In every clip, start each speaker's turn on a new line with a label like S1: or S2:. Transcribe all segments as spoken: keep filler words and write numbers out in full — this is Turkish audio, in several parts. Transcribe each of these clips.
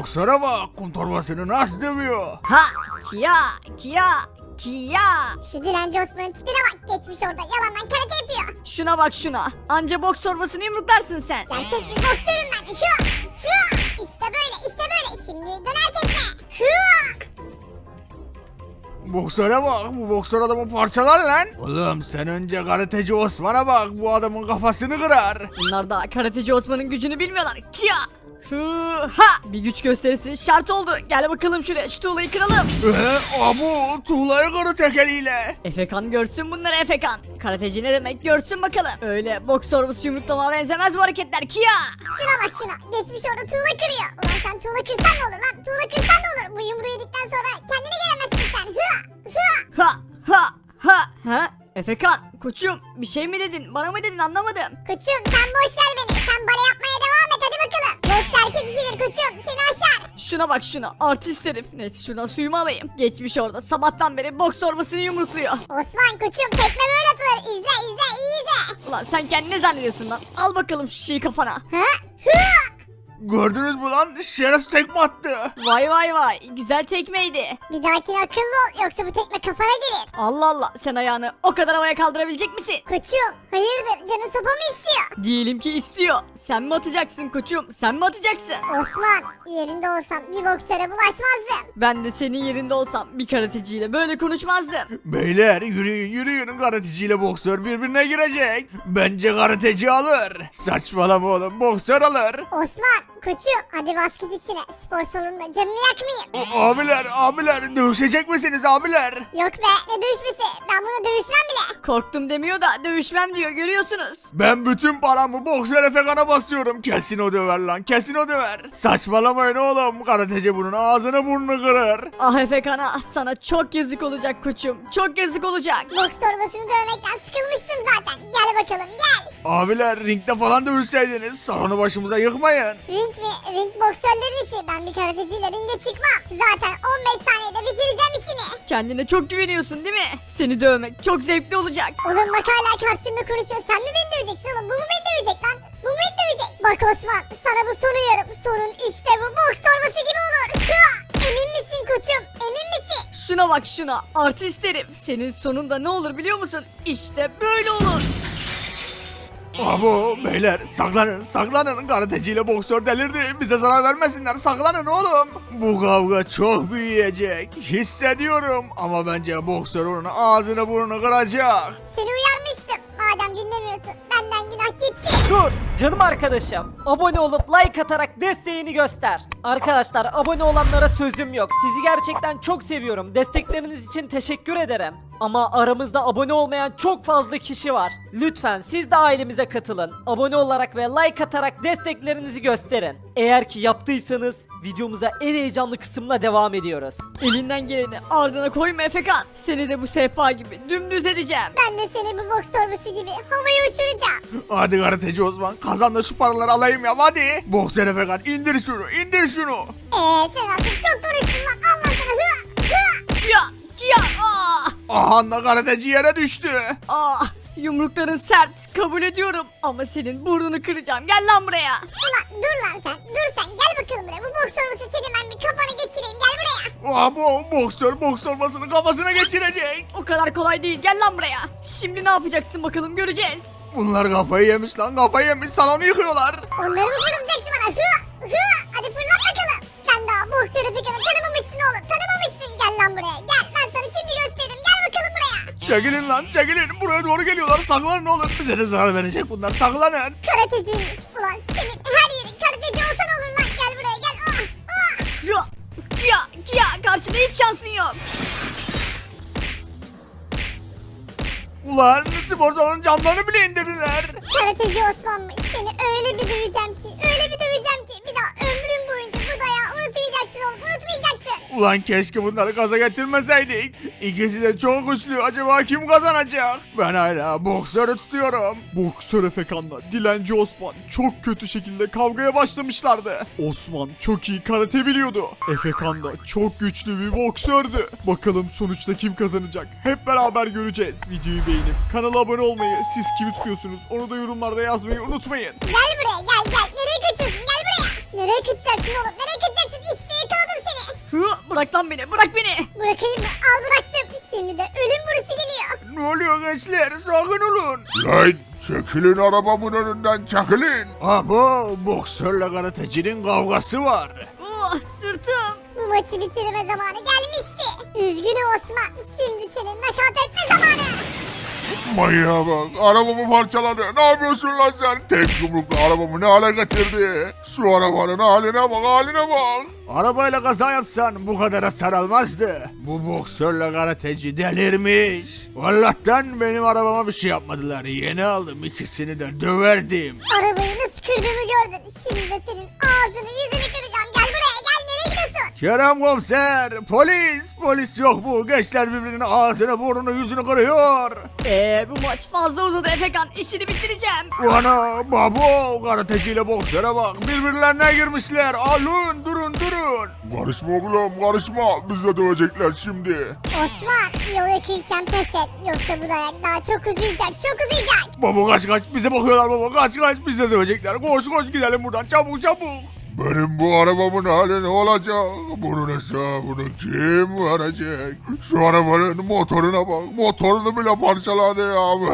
S1: Boksöre bak, kum torbasını nasıl dövüyor.
S2: Ha Kia Kia Kia.
S3: Şu dilenci Osman'ın tipine bak, geçmiş orada yalandan karate yapıyor.
S2: Şuna bak şuna. Anca boks torbasını yumruklarsın sen.
S3: Gerçek bir boksörüm ben. Hıa! Hıa! İşte böyle, işte böyle. Şimdi döner tekme. Hıa!
S1: Boksöre bak, bu boksör adamı parçalar lan. Oğlum sen önce karateci Osman'a bak, bu adamın kafasını kırar.
S2: Bunlar da karateci Osman'ın gücünü bilmiyorlar. Kia. Hı ha. Bir güç gösterisi şart oldu. Gel bakalım şuraya, şu tuğlayı kıralım.
S1: Eee abu, tuğlayı kırı tek eliyle.
S2: Efekan görsün bunları Efekan. Karateci ne demek görsün bakalım. Öyle boks torbası yumruklama benzemez bu hareketler Kia.
S3: Şuna bak şuna. Geçmiş orada tuğla kırıyor. Ulan sen tuğla kırsan ne olur lan? Tuğla kırsan ne olur? Bu yumruğu yedikten sonra kendine gelemezsin sen. Hıa! Hıa!
S2: Ha ha ha ha. Efekan koçum bir şey mi dedin, bana mı dedin, anlamadım.
S3: Koçum sen boş ver beni. Sen bale yapmaya devam et hadi bakalım. Boks erkek işidir koçum. Seni aşar.
S2: Şuna bak şuna, artist herif. Neyse şuradan suyumu alayım. Geçmiş orada sabahtan beri boks torbasını yumrukluyor.
S3: Osman koçum tekme böyle atılır. İzle izle iyi izle.
S2: Ulan sen kendini ne zannediyorsun lan? Al bakalım şu şeyi kafana.
S3: Ha? Hıa!
S1: Gördünüz mü lan, şeref tekme attı.
S2: Vay vay vay, güzel tekmeydi.
S3: Bir dahakine akıllı ol yoksa bu tekme kafana gelir.
S2: Allah Allah, sen ayağını o kadar havaya kaldırabilecek misin?
S3: Koçum hayırdır canın sopa mı istiyor?
S2: Diyelim ki istiyor. Sen mi atacaksın koçum? Sen mi atacaksın?
S3: Osman yerinde olsam bir boksöre bulaşmazdım.
S2: Ben de senin yerinde olsam bir karateciyle böyle konuşmazdım.
S1: Beyler yürüyün yürüyün, karateciyle boksör birbirine girecek. Bence karateci alır. Saçmalama oğlum, boksör alır.
S3: Osman koçum hadi bas git içine. Spor salonunda canını yakmayayım.
S1: A- abiler abiler, dövüşecek misiniz abiler?
S3: Yok be ne dövüşmesi, ben buna dövüşmem bile.
S2: Korktum demiyor da dövüşmem diyor, görüyorsunuz.
S1: Ben bütün paramı boksör Efekan'a basıyorum. Kesin o döver lan, kesin o döver. Saçmalamayın oğlum, karateci bunun ağzını burnunu kırar.
S2: Ah Efekan ah, sana çok yazık olacak koçum. Çok yazık olacak.
S3: Boks torbasını dövmekten sıkılmıştım zaten. Gel bakalım gel.
S1: Abiler ringde falan dövüşseydiniz, salonu başımıza yıkmayın.
S3: Ring mi? Ring boksörlerin işi. Ben bir karateciyle ringe çıkmam. Zaten on beş saniyede bitireceğim işini.
S2: Kendine çok güveniyorsun değil mi? Seni dövmek çok zevkli olacak.
S3: Oğlum bak hala karşımda konuşuyor. Sen mi beni döveceksin oğlum? Bu mu beni dövecek lan? Bu mu beni dövecek? Bak Osman sana bu sonu yarım. Sonun işte bu boks torbası gibi olur. Hıa! Emin misin koçum? Emin misin?
S2: Şuna bak şuna, artist herif. Senin sonunda ne olur biliyor musun? İşte böyle olur.
S1: Abo beyler, saklanın saklanın, karateciyle boksör delirdi, bize zarar vermesinler, saklanın oğlum. Bu kavga çok büyüyecek hissediyorum, ama bence boksör onun ağzını burnunu kıracak.
S3: Seni uyarmıştım. Madem dinlemiyorsun benden günah gitti.
S4: Dur canım arkadaşım. Abone olup like atarak desteğini göster. Arkadaşlar abone olanlara sözüm yok. Sizi gerçekten çok seviyorum. Destekleriniz için teşekkür ederim. Ama aramızda abone olmayan çok fazla kişi var. Lütfen siz de ailemize katılın. Abone olarak ve like atarak desteklerinizi gösterin. Eğer ki yaptıysanız videomuza en heyecanlı kısımla devam ediyoruz.
S2: Elinden geleni ardına koyma Efekan. Seni de bu sehpa gibi dümdüz edeceğim.
S3: Ben de seni bu boks torbası gibi havaya uçuracağım.
S1: Hadi karateci Osman, kazan da şu paraları alayım ya, hadi. Boksör Efekan, indir şunu, indir şunu.
S3: Eee sen artık çok konuştun lan. Allah sana hıa! Hıa!
S2: Kia kia ah.
S1: Aha da karateci yere düştü.
S2: Ah, yumrukların sert, kabul ediyorum. Ama senin burnunu kıracağım. Gel lan buraya.
S3: Ulan dur lan sen. Dur sen gel bakalım buraya. Bu boks torbası senin ben bir kafanı geçireyim. Gel buraya.
S1: Abo boksör boks torbasını kafasına geçirecek.
S2: O kadar kolay değil. Gel lan buraya. Şimdi ne yapacaksın bakalım, göreceğiz.
S1: Bunlar kafayı yemiş lan, kafayı yemiş, salonu yıkıyorlar.
S3: Onları mı fırlatacaksın bana? Hıa! Hıa! Hadi fırlat bakalım. Sen daha boks Efekan'ı tanımamışsın oğlum. Tanımamışsın. Gel lan buraya. Gel ben sana şimdi gösteririm. Gel bakalım buraya.
S1: Çekilin lan, çekilin, buraya doğru geliyorlar, saklanın oğlum, bize de zarar verecek bunlar, saklanın.
S3: Karateciymiş ulan. Senin her yerin karateci olsan olur lan. Gel buraya gel. Ah! Ah!
S2: Kia kia kia, karşımda hiç şansın yok.
S1: Ulan spor salonun camlarını bile indirdiler.
S3: Karateci Osman'mış. Seni öyle bir döveceğim ki. Öyle bir döveceğim ki. Bir daha ömrün boyunca bu dayağı unutmayacaksın oğlum. Unutmayacaksın.
S1: Ulan keşke bunları gaza getirmeseydik. İkisi de çok güçlü, acaba kim kazanacak? Ben hala boksörü tutuyorum.
S5: Boksör Efekan'la Dilenci Osman çok kötü şekilde kavgaya başlamışlardı. Osman çok iyi karate biliyordu. Efekan da çok güçlü bir boksördü. Bakalım sonuçta kim kazanacak? Hep beraber göreceğiz. Videoyu beğenip kanala abone olmayı, siz kimi tutuyorsunuz onu da yorumlarda yazmayı unutmayın.
S3: Gel buraya gel gel. Nereye kaçıyorsun? Gel buraya. Nereye kaçacaksın oğlum? Nereye kaçacaksın? İşte
S2: Hı, bırak lan beni bırak beni.
S3: Bırakayım mı? Al bıraktım. Şimdi de ölüm vuruşu geliyor.
S1: Ne oluyor gençler? Sakin olun.
S6: Lan çekilin arabamın önünden çekilin.
S1: Abo boksörle karatecinin kavgası var.
S2: Oh, sırtım.
S3: Bu maçı bitirme zamanı gelmişti. Üzgünüm Osman. Şimdi senin nakat etme zamanı.
S6: Manyağa bak, arabamı parçaladı. Ne yapıyorsun lan sen? Tek yumrukla arabamı ne hale getirdi? Şu arabanın haline bak, haline bak.
S1: Arabayla kaza yapsan bu kadar hasar almazdı. Bu boksörle karateci delirmiş. Allah'tan benim arabama bir şey yapmadılar. Yeni aldım, ikisini de döverdim.
S3: Arabayı nasıl kırdığımı gördün. Şimdi de senin ağzını yüzünü kıracağım. Gel buraya gel. Nereye gidiyorsun?
S1: Kerem komiser, polis, polis yok bu. Gençler birbirinin ağzını, burnunu, yüzünü kırıyor.
S2: Eee bu maç fazla uzadı Efekan, işini bitireceğim.
S1: Ana, babo, karateciyle boksöre bak. Birbirlerine girmişler. Alın, durun, durun.
S6: Karışma oğlum, karışma. Bizi de dövecekler şimdi.
S3: Osman yol yakınken pes et. Yoksa bu dayak daha çok uzayacak. Çok uzayacak.
S1: Baba kaç kaç, bize bakıyorlar baba, kaç kaç, bizi de dövecekler. Koş koş gidelim buradan, çabuk çabuk.
S6: Benim bu arabamın hali ne olacak? Bunun hesabını kim verecek? Şu arabanın motoruna bak. Motorunu bile parçaladı ya.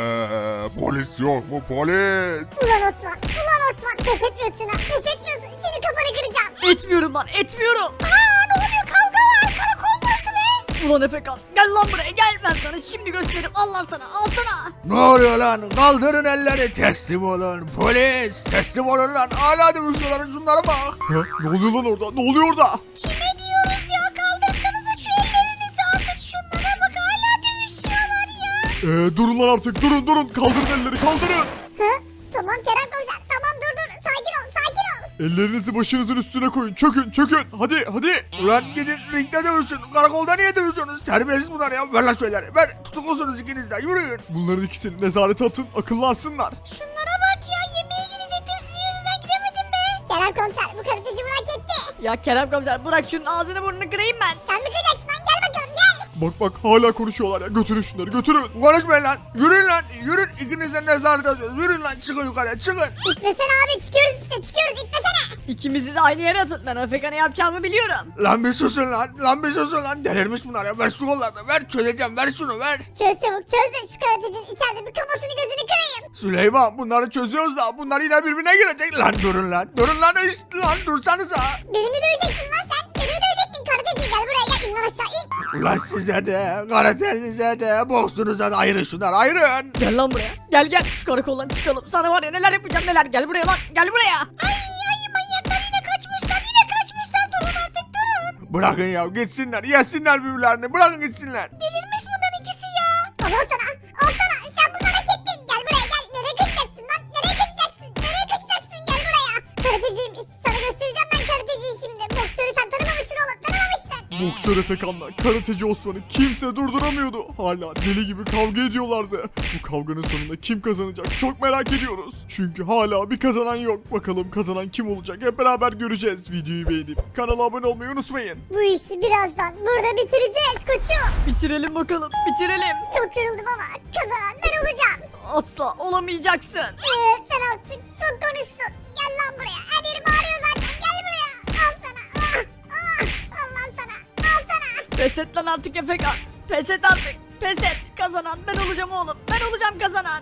S6: Polis yok mu polis?
S3: Ulan Osman. Ulan Osman. Pes etmiyorsun ha. Pes etmiyorsun. Şimdi kafanı kıracağım.
S2: Etmiyorum lan etmiyorum.
S3: Aa ne oluyor? Kavga var. Karakol burası be.
S2: Ulan Efekan gel lan buraya gel, ben sana şimdi gösteririm, al lan sana, al sana.
S1: Ne oluyor lan? Kaldırın elleri, teslim olun. Polis, teslim olun lan. Hala dövüşüyorlar, şunlara bak.
S5: Ha, ne oluyor lan orada? Ne oluyor orada?
S3: Kime diyoruz ya? Kaldırsanıza şu ellerinizi artık. Şunlara bak hala dövüşüyorlar ya.
S5: Ee, durun lan artık, durun durun. Kaldırın elleri, kaldırın.
S3: Hı? Tamam Kerem komiser. Tamam dur dur. Sakin ol. Sakin ol.
S5: Ellerinizi başınızın üstüne koyun. Çökün, çökün. Hadi, hadi.
S1: Ulan gidin ringde dövüşün. Karakolda niye dövüşüyorsunuz? Terbiyesiz bunlar ya. Ver lan şeyleri. Ver. Tutuklusunuz ikiniz de. Yürüyün.
S5: Bunların ikisini nezarete atın, akıllansınlar.
S3: Şunlara bak ya. Yemeğe gidecektim. Sizin yüzünden gidemedim be. Kerem komiser bu karateci bunu hak etti.
S2: Ya Kerem komiser bırak şunun ağzını burnunu kırayım ben.
S3: Sen mi kıracaksın lan? Gel bakalım gel.
S5: Bak bak hala konuşuyorlar ya. Götürün şunları, götürün.
S1: Konuşmayın lan. Yürüyün lan. Yürün. İkiniz de nezarete atıyoruz. Yürüyün lan. Çıkın yukarıya. Çıkın.
S3: İtmesene abi. Çıkıyoruz işte. Çıkıyoruz. İtmesene.
S2: İkimizi de aynı yere atın, ben Efekan'ı yapacağımı biliyorum.
S1: Lan bir susun lan. Lan bir susun lan. Delirmiş bunlar ya. Ver şu kollarını. Ver. Çözeceğim. Ver şunu. Ver.
S3: Çöz çabuk çöz de şu karatecinin içeride bir kafasını gözünü kırayım.
S1: Süleyman, bunları çözüyoruz da bunlar yine birbirine girecek. Lan durun lan. Durun lan. İşte lan. Dursanıza.
S3: Beni mi dövecektin lan sen? Beni mi dövecektin karateci? Gel buraya gel. İn lan aşağı in.
S1: Ulan size de, karatenize de, boksunuza da ayırın şunlar. Ayırın.
S2: Gel lan buraya, gel gel şu karakoldan çıkalım, sana var ya neler yapacağım neler, gel buraya lan, gel buraya.
S3: Ay ay manyaklar yine kaçmışlar. Yine kaçmışlar. Durun artık durun.
S1: Bırakın ya. Gitsinler. Yesinler birbirlerini. Bırakın gitsinler.
S3: Delirmiş bunların ikisi ya. Al al sana. Al sana. Sen bunları hak ettin. Gel buraya gel. Nereye kaçacaksın lan? Nereye kaçacaksın? Nereye kaçacaksın? Gel buraya. Karateciyim. Sana göstereceğim ben karateciyi şimdi. Boksörü sen tanımamışsın oğlum. Tanımamışsın.
S5: Boksör Efekan'la karateci Osman'ı kimse durduramıyordu. Hala deli gibi kavga ediyorlardı. Bu kavganın sonunda kim kazanacak çok merak ediyoruz. Çünkü hala bir kazanan yok. Bakalım kazanan kim olacak hep beraber göreceğiz. Videoyu beğenip kanala abone olmayı unutmayın.
S3: Bu işi birazdan burada bitireceğiz koçum.
S2: Bitirelim bakalım, bitirelim.
S3: Çok yoruldum ama kazanan ben olacağım.
S2: Asla olamayacaksın.
S3: Ee, sen artık çok konuştun. Gel lan buraya. Her yerim ağrıyor zaten. Gel buraya. Al sana. Ah, ah. Al lan sana. Al sana.
S2: Pes et lan artık Efekan, pes et artık, pes et. Kazanan ben olacağım oğlum, ben olacağım kazanan.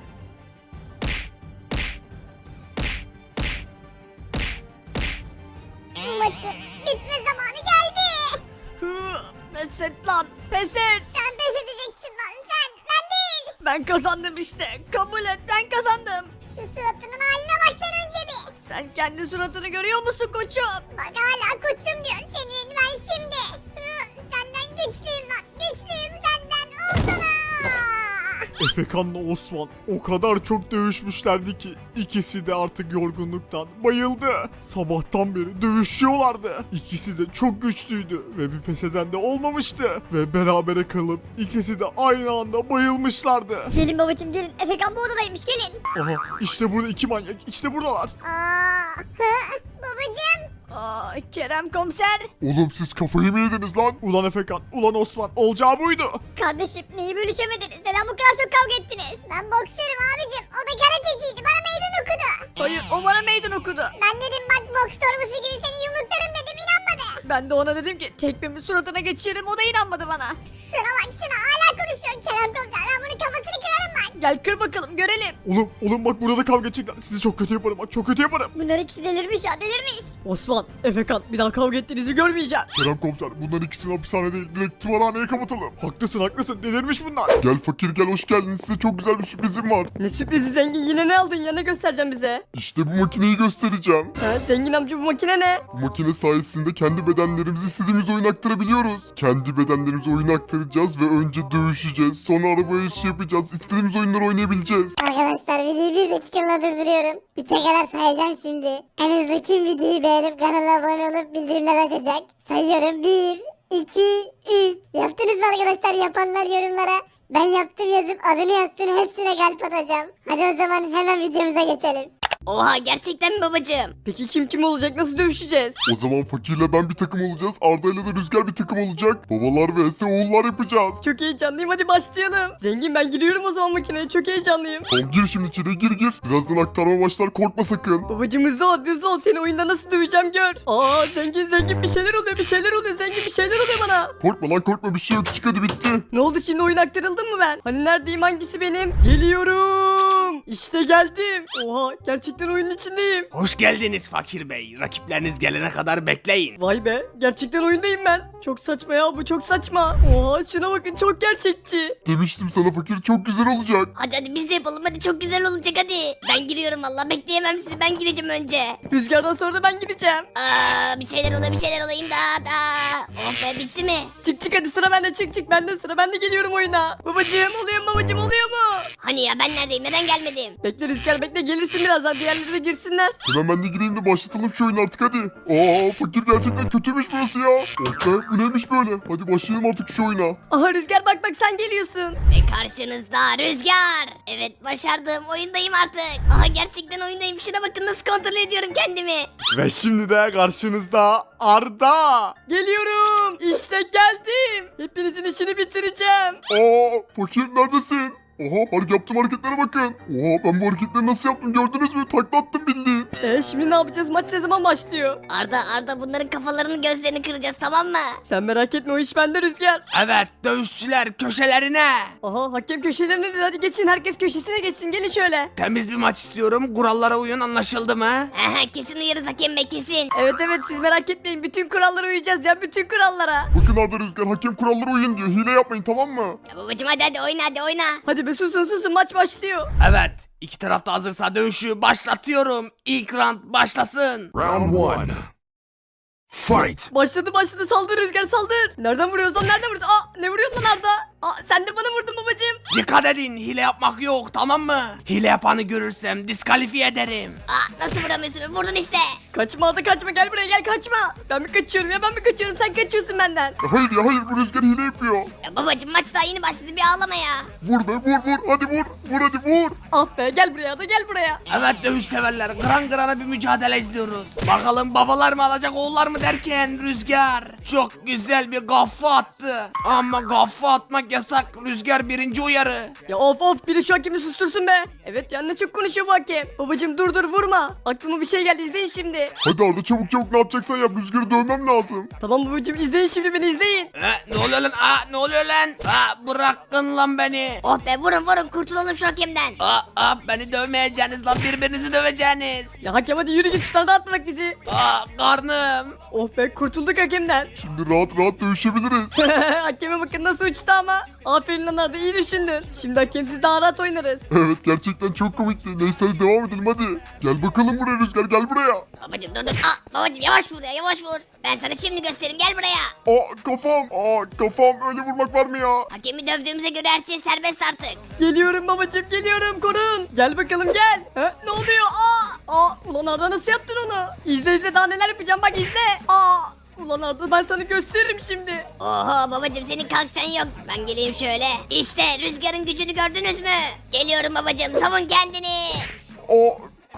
S3: Maçın bitme zamanı geldi.
S2: Hı, pes et lan, pes et.
S3: Sen pes edeceksin lan sen. Ben değil.
S2: Ben kazandım işte, kabul et, ben kazandım.
S3: Şu suratının haline bak sen önce bir.
S2: Sen kendi suratını görüyor musun koçum?
S3: Bak hala koçum diyor senin ben şimdi. Hı, senden güçlüyüm lan. Güçlüyüm senden. Al sana.
S5: Efekan'la Osman o kadar çok dövüşmüşlerdi ki ikisi de artık yorgunluktan bayıldı. Sabahtan beri dövüşüyorlardı. İkisi de çok güçlüydü ve bir pes eden de olmamıştı. Ve berabere kalıp ikisi de aynı anda bayılmışlardı.
S3: Gelin babacım gelin. Efekan bu odadaymış gelin.
S5: Aha işte burada iki manyak, işte buradalar.
S3: Aa, hı, babacım.
S2: Aa, Kerem komiser.
S6: Oğlum siz kafayı mı yediniz lan?
S5: Ulan Efekan, ulan Osman, olacağı buydu.
S3: Kardeşim neyi bölüşemediniz? Neden bu kadar çok kavga ettiniz? Ben boksörüm abicim. O da karateciydi. Bana meydan okudu.
S2: Hayır, o bana meydan okudu.
S3: Ben dedim bak boks torbası gibi seni yumruklarım dedim inanmadı.
S2: Ben de ona dedim ki tekmemi suratına geçiririm, o da inanmadı bana.
S3: Şuna bak şuna hala konuşuyor. Kerem komiser ben bunun kafasını kırarım bak.
S2: Gel kır bakalım görelim.
S5: Oğlum oğlum bak burada da kavga edecekler. Sizi çok kötü yaparım bak çok kötü yaparım.
S3: Bunlar ikisi delirmiş ya delirmiş.
S2: Osman, Efekan bir daha kavga ettiğinizi görmeyeceğim.
S6: Kerem komiser bunların ikisini hapishane değil direkt tımarhaneye kapatalım.
S5: Haklısın haklısın delirmiş bunlar.
S6: Gel fakir gel hoş geldin size çok güzel bir sürprizim var.
S2: Ne sürprizi zengin, yine ne aldın ya, ne göstereceğim bize?
S6: İşte bu makineyi göstereceğim.
S2: Ha, zengin amca bu makine ne?
S6: Bu makine sayesinde kendi bedenlerimizi istediğimiz oyuna aktarabiliyoruz. Kendi bedenlerimizi oyuna aktaracağız ve önce dövüşeceğiz. Sonra araba yarışı yapacağız. İstediğimiz oyunları oynayabileceğiz.
S3: Arkadaşlar videoyu bir dakikalığına durduruyorum. Üçe kadar sayacağım şimdi. En hızlı kim videoyu beğenip kanala abone olup bildirimler açacak? Sayıyorum. bir, iki, üç. Yaptınız mı arkadaşlar? Yapanlar yorumlara ben yaptım yazıp adını yazsın, hepsine kalp atacağım. Hadi o zaman hemen videomuza geçelim.
S2: Oha, gerçekten mi babacığım? Peki kim kim olacak, nasıl dövüşeceğiz?
S6: O zaman fakirle ben bir takım olacağız. Arda ile de Rüzgar bir takım olacak. Babalar vs oğullar yapacağız.
S2: Çok heyecanlıyım, hadi başlayalım. Zengin ben giriyorum o zaman makineye, çok heyecanlıyım.
S6: Tamam gir şimdi içeri gir gir. Birazdan aktarma başlar korkma sakın.
S2: Babacım hızlı ol, hızlı ol, seni oyunda nasıl döveceğim gör. Aa zengin zengin bir şeyler oluyor, bir şeyler oluyor, zengin bir şeyler oluyor bana.
S6: Korkma lan korkma bir şey yok çık hadi bitti.
S2: Ne oldu şimdi, oyun aktarıldı mı ben? Hani neredeyim, hangisi benim? Geliyorum. İşte geldim. Oha, gerçekten oyunun içindeyim.
S1: Hoş geldiniz Fakir Bey. Rakipleriniz gelene kadar bekleyin.
S2: Vay be, gerçekten oyundayım ben. Çok saçma ya, bu çok saçma. Oha şuna bakın, çok gerçekçi.
S6: Demiştim sana fakir çok güzel olacak.
S7: Hadi hadi biz de yapalım, hadi çok güzel olacak hadi. Ben giriyorum valla, bekleyemem sizi, ben gireceğim önce.
S2: Rüzgardan sonra da ben gideceğim.
S7: Aa, bir şeyler oluyor bir şeyler olayım da da. Oh be, bitti mi?
S2: Çık çık hadi, sıra bende, çık çık bende sıra, ben de geliyorum oyuna. Babacığım oluyor mu, babacığım oluyor mu?
S7: Hani ya, ben neredeyim, neden gelmedim?
S2: Bekle Rüzgar bekle, gelirsin birazdan, diğerleri de girsinler.
S6: Hemen ben de gireyim de başlatalım şu oyunu artık hadi. Aa fakir gerçekten kötüymüş burası ya. Oh be bu neymiş böyle. Hadi başlayalım artık şu oyuna.
S2: Aha Rüzgar bak bak, sen geliyorsun.
S7: Ve karşınızda Rüzgar. Evet, başardım, oyundayım artık. Aha, gerçekten oyundayım, şuna bakın nasıl kontrol ediyorum kendimi.
S5: Ve şimdi de karşınızda Arda.
S2: Geliyorum. İşte geldim. Hepinizin işini bitireceğim.
S6: Aa fakir neredesin? Oha hareket yaptığım hareketlere bakın. Oha ben bu hareketleri nasıl yaptım gördünüz mü? Takla attım bildiğin.
S2: E şimdi ne yapacağız? Maç ne zaman başlıyor?
S7: Arda Arda bunların kafalarını gözlerini kıracağız, tamam mı?
S2: Sen merak etme, o iş bende Rüzgar.
S1: Evet dövüşçüler köşelerine.
S2: Aha hakem köşelerine dedi, hadi geçin, herkes köşesine geçsin, gelin şöyle.
S1: Temiz bir maç istiyorum. Kurallara uyun, anlaşıldı mı?
S7: Aha, kesin uyarız hakem bey, kesin.
S2: Evet evet, siz merak etmeyin, bütün kurallara uyacağız ya, bütün kurallara.
S6: Bakın Arda Rüzgar hakem kurallara uyun diyor. Hile yapmayın tamam mı?
S7: Ya babacım hadi hadi oyna hadi oyna.
S2: Hadi be susun susun, maç başlıyor.
S1: Evet. İki taraf da hazırsa dövüşü başlatıyorum. İlk round başlasın.
S6: Round one.
S1: Fight.
S2: Başladı başladı, saldır Rüzgar saldır. Nereden vuruyoruz lan, nereden vuruyoruz? Aa ne vuruyorsun lan Arda? Aa sen de bana vurdun babacığım.
S1: Dikkat edin, hile yapmak yok, tamam mı? Hile yapanı görürsem diskalifiye ederim.
S7: Aa, nasıl vuramıyorsun, vurdun işte.
S2: Kaçma Arda kaçma, gel buraya gel, kaçma. Ben mi kaçıyorum ya, ben mi kaçıyorum, sen kaçıyorsun benden.
S6: Ya hayır ya hayır bu Rüzgar hile yapıyor.
S7: Ya babacım, maç daha yeni başladı, bir ağlama ya.
S6: Vur be vur vur hadi vur. Vur hadi vur.
S2: Ah be, gel buraya Arda, gel buraya.
S1: Evet dövüş severler, kıran kırana bir mücadele izliyoruz. Bakalım babalar mı alacak oğullar mı derken Rüzgar çok güzel bir kafa attı. Ama kafa atmak yasak. Rüzgar birinci uyarı.
S2: Ya of of, biri şu hakemi sustursun be. Evet ya, ne çok konuşuyor bu hakem. Babacım dur dur vurma. Aklıma bir şey geldi, izleyin şimdi.
S6: Hadi Arda çabuk çabuk ne yapacaksan yap Rüzgar'ı dövmem lazım.
S2: Tamam babacım, izleyin şimdi beni, izleyin.
S1: E, ne oluyor lan? Aa, ne oluyor lan? Aa, bırakın lan beni.
S7: Oh be, vurun vurun, kurtulalım şu hakemden.
S1: Aa, aa, beni dövmeyeceğiniz lan, birbirinizi döveceğiniz.
S2: Ya hakem hadi yürü git, şuradan rahat bırak bizi.
S1: Aa, karnım.
S2: Oh be, kurtulduk hakemden.
S6: Şimdi rahat rahat dövüşebiliriz.
S2: Hakeme bakın nasıl uçtu ama. Aferin lan Arda, iyi düşündün. Şimdi hakemsiz daha rahat oynarız.
S6: Evet gerçekten çok komikti. Neyse hadi devam edelim hadi. Gel bakalım buraya Rüzgar gel buraya.
S7: Babacım dur dur. Aa, babacım yavaş vur ya, yavaş vur. Ben sana şimdi göstereyim, gel buraya.
S6: Aa kafam. Aa kafam öyle vurmak var mı ya?
S7: Hakemi dövdüğümüze göre her şey serbest artık.
S2: Geliyorum babacım, geliyorum, korun. Gel bakalım gel. Ha, ne oluyor? Aa, aa, ulan Arda nasıl yaptın onu? İzle izle, daha neler yapacağım, bak izle. Aa, ulan Arda ben sana gösteririm şimdi.
S7: Oho babacım, senin kalkacağın yok. Ben geleyim şöyle. İşte Rüzgar'ın gücünü gördünüz mü? Geliyorum babacım, savun kendini.
S6: Aa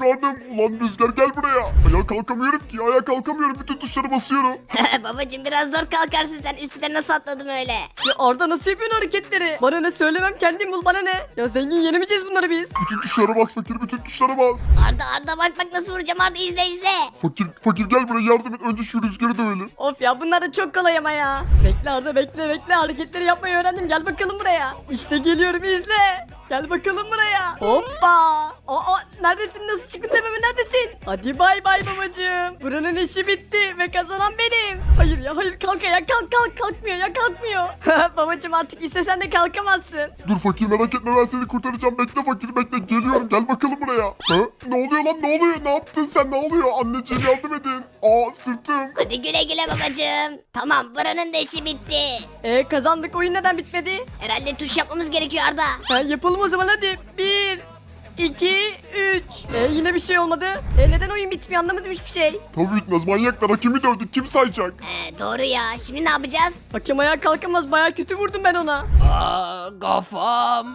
S6: karnım. Ulan Rüzgar gel buraya. Ayağa kalkamıyorum ki. Ayağa kalkamıyorum. Bütün tuşlara basıyorum.
S7: Babacım biraz zor kalkarsın sen. Üstüne nasıl atladım öyle?
S2: Ya Arda nasıl yapıyorsun hareketleri? Bana ne söylemem kendim bul bana ne? Ya zengin yenemeyeceğiz bunları biz.
S6: Bütün tuşlara bas fakir. Bütün tuşlara bas.
S7: Arda Arda bak bak nasıl vuracağım Arda izle izle.
S6: Fakir fakir gel buraya yardım et. Önce şu Rüzgar'ı dövelim.
S2: Of ya bunlar da çok kolay ama ya. Bekle Arda bekle bekle hareketleri yapmayı öğrendim gel bakalım buraya. İşte geliyorum izle. Gel bakalım buraya. Hoppa. Aa neredesin nasıl çıktın tepeme neredesin? Hadi bay bay babacığım. Buranın işi bitti ve kazanan benim. Hayır ya hayır kalk ya kalk kalk kalkmıyor ya kalkmıyor. Babacığım artık istesen de kalkamazsın.
S6: Dur fakir merak etme ben seni kurtaracağım. Bekle fakir bekle. Geliyorum gel bakalım buraya. Ha? Ne oluyor lan ne oluyor? Ne yaptın sen ne oluyor? Anneciğim yardım edin. Aa sırtım.
S7: Hadi güle güle babacım. Tamam buranın da işi bitti.
S2: E kazandık oyun neden bitmedi?
S7: Herhalde tuş yapmamız gerekiyor Arda.
S2: Ha, yapalım o zaman hadi. Bir, iki, üç. E yine bir şey olmadı. E neden oyun bitmiyor anlamadım hiçbir şey.
S6: Tabii bitmez manyaklar. Hakimi dövdük. Kim sayacak?
S7: Ee, doğru ya. Şimdi ne yapacağız?
S2: Hakem ayağa kalkamaz baya kötü vurdum ben ona.
S1: Aa, kafam.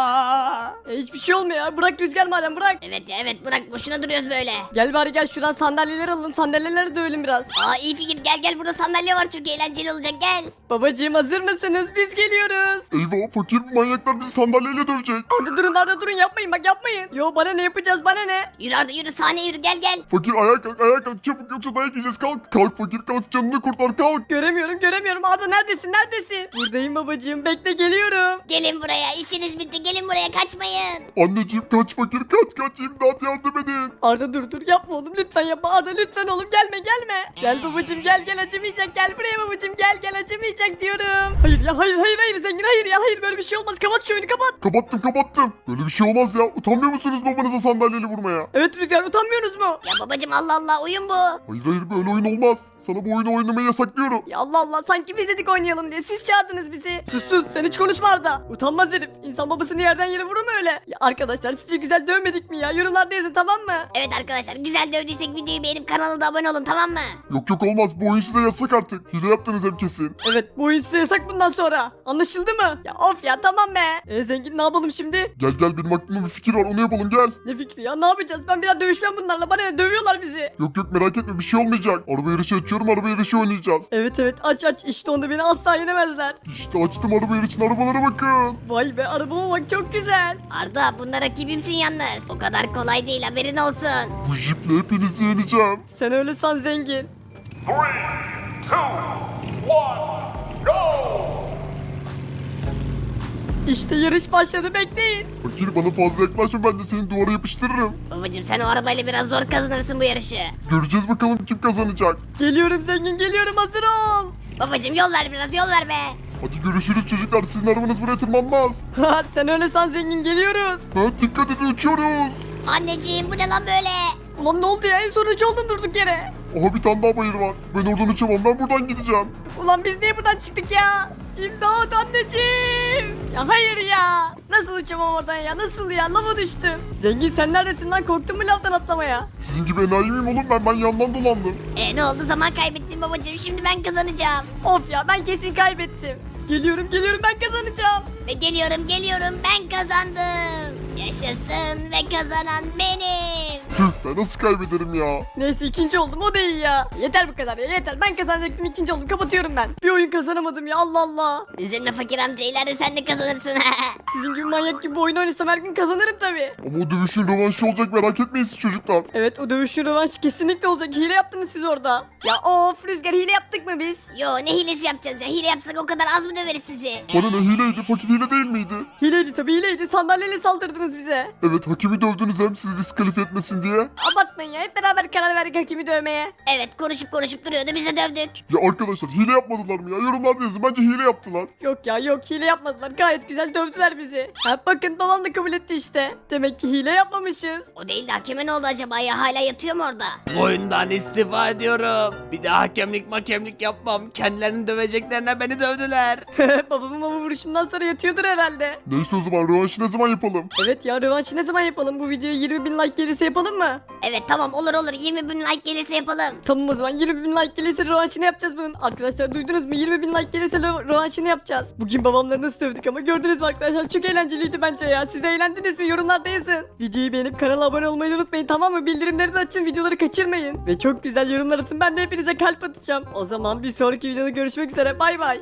S1: Aa.
S2: E hiçbir şey olmuyor ya bırak Rüzgar madem bırak.
S7: Evet ya evet bırak boşuna duruyoruz böyle.
S2: Gel bari gel şuradan sandalyeler alalım sandalyeleri dövelim biraz.
S7: Aa iyi fikir gel gel burada sandalye var çok eğlenceli olacak gel.
S2: Babacığım hazır mısınız biz geliyoruz.
S6: Eyvah fakir bu manyaklar bizi sandalyeyle dövecek.
S2: Orada durun orada durun yapmayın bak yapmayın. Yo bana ne yapacağız bana ne.
S7: Yürü Arda yürü sahneye yürü gel gel.
S6: Fakir ayağa kalk ayağa kalk çabuk yoksa dayak yiyeceğiz kalk. Kalk fakir kalk canını kurtar kalk.
S2: Göremiyorum göremiyorum Arda neredesin neredesin. Buradayım babacığım bekle geliyorum.
S7: Gelin buraya işiniz bitti gelin buraya kaçmayın.
S6: Anneciğim kaç fakir kaç kaç imdat yardım edin.
S2: Arda dur dur yapma oğlum lütfen yapma Arda lütfen oğlum gelme gelme. Gel babacığım gel gel acımayacak gel buraya babacığım gel gel acımayacak diyorum. Hayır ya hayır hayır hayır zengin hayır ya hayır böyle bir şey olmaz kapat şu oyunu kapat.
S6: Kapattım kapattım. Böyle bir şey olmaz ya. Utanmıyor musunuz babanıza sandalyeyle vurmaya?
S2: Evet Rüzgar utanmıyorsunuz mu?
S7: Ya babacım Allah Allah oyun bu.
S6: Hayır hayır böyle oyun olmaz. Sana bu oyunu oynamayı yasaklıyorum.
S2: Ya Allah Allah sanki biz dedik oynayalım diye siz çağırdınız bizi. Sus sus sen hiç konuşma Arda. Utanmaz herif. İnsan babasını yerden yere vurur mu öyle? Ya arkadaşlar sizce güzel dövmedik mi ya? Yorumlarda yazın tamam mı?
S7: Evet arkadaşlar güzel dövdüysek videoyu beğenip kanala da abone olun tamam mı?
S6: Yok yok olmaz bu oyun size yasak artık. Hile yaptınız hem kesin.
S2: Evet bu oyun size yasak bundan sonra. Anlaşıldı mı? Ya of ya tamam be. E zengin ne yapalım şimdi?
S6: Gel gel benim aklımda bir fikir var onu yapalım gel.
S2: Ne fikri ya ne yapacağız? Ben bir daha dövüşmem bunlarla. Bana ne dövüyorlar bizi.
S6: Yok yok merak etme bir şey olmayacak. Araba yarışı açıyorum araba yarışı oynayacağız.
S2: Evet evet aç aç işte onda beni asla yenemezler.
S6: İşte açtım araba yarışını arabalara bakın.
S2: Vay be arabama bak çok güzel.
S7: Arda bunda rakibimsin yalnız. O kadar kolay değil haberin olsun.
S6: Bu jiple hepinizi yeneceğim.
S2: Sen öyle san zengin. İşte yarış başladı bekleyin.
S6: Fakir bana fazla yaklaşma ben de seni duvara yapıştırırım.
S7: Babacım sen o arabayla biraz zor kazanırsın bu yarışı.
S6: Göreceğiz bakalım kim kazanacak.
S2: Geliyorum zengin geliyorum hazır ol.
S7: Babacım yol ver biraz yol ver be.
S6: Hadi görüşürüz çocuklar sizin arabanız buraya tırmanmaz.
S2: Ha sen öyle san zengin geliyoruz.
S6: Ha, dikkat edin uçuyoruz.
S7: Anneciğim bu ne lan böyle?
S2: Ulan ne oldu ya en son üç oldum durduk yere.
S6: Aha bir tane daha bayır var. Ben oradan uçamam ben buradan gideceğim.
S2: Ulan biz niye buradan çıktık ya? İmdat anneciğim. Ya hayır ya. Nasıl uçamam oradan ya nasıl ya lava düştüm. Zengin sen neredesin lan korktun mu lavdan atlamaya?
S6: Sizin gibi enayi miyim oğlum ben ben yandan dolandım.
S7: E ne oldu zaman kaybettim babacım şimdi ben kazanacağım.
S2: Of ya ben kesin kaybettim. Geliyorum geliyorum ben kazanacağım.
S7: Ve geliyorum geliyorum ben kazandım. Yaşasın ve kazanan benim.
S6: Tüh ben nasıl kaybederim ya.
S2: Neyse ikinci oldum o da iyi ya. Yeter bu kadar ya yeter ben kazanacaktım ikinci oldum kapatıyorum ben. Bir oyun kazanamadım ya Allah Allah.
S7: Üzülme fakir amca ileride sen de kazanırsın.
S2: Sizin gibi manyak gibi bu oyunu oynasam her gün kazanırım tabi.
S6: Ama o dövüşün rövanşı olacak merak etmeyin siz çocuklar.
S2: Evet o dövüşün rövanşı kesinlikle olacak hile yaptınız siz orada. Ya of Rüzgar hile yaptık mı biz?
S7: Yo ne hilesi yapacağız ya hile yapsak o kadar az mı döveriz sizi?
S6: Bana ne hileydi fakir hile değil miydi?
S2: Hileydi tabi hileydi sandalyeyle saldırdınız bize.
S6: Evet hakimi dövdünüz hem sizi diskalifiye etmesin diye.
S2: Abartmayın ya hep beraber karar verdik hakimi dövmeye.
S7: Evet konuşup konuşup duruyordu biz de dövdük.
S6: Ya arkadaşlar hile yapmadılar mı ya? Yorumlarda yazın bence hile yaptılar.
S2: Yok ya yok hile yapmadılar gayet güzel dövdüler bizi. Ha bakın babam da kabul etti işte. Demek ki hile yapmamışız.
S7: O değil de hakeme ne oldu acaba ya hala yatıyor mu orada?
S1: Oyundan istifa ediyorum. Bir daha hakemlik makemlik yapmam. Kendilerini döveceklerine beni dövdüler.
S2: Babamın ama vuruşundan sonra yatıyordur herhalde.
S6: Neyse o zaman rövanşı ne zaman yapalım?
S2: Evet ya rövanşı ne zaman yapalım? Bu videoya yirmi bin like gelirse yapalım yapalım mı?
S7: Evet tamam olur olur yirmi bin like gelirse yapalım.
S2: Tamam o zaman yirmi bin like gelirse rövanşını yapacağız bunun. Arkadaşlar duydunuz mu? yirmi bin like gelirse rö- rövanşını yapacağız. Bugün babamları nasıl dövdük ama gördünüz mü arkadaşlar? Çok eğlenceliydi bence ya. Siz de eğlendiniz mi? Yorumlarda yazın. Videoyu beğenip kanala abone olmayı unutmayın, tamam mı? Bildirimleri de açın, videoları kaçırmayın. Ve çok güzel yorumlar atın. Ben de hepinize kalp atacağım. O zaman bir sonraki videoda görüşmek üzere. Bay bay.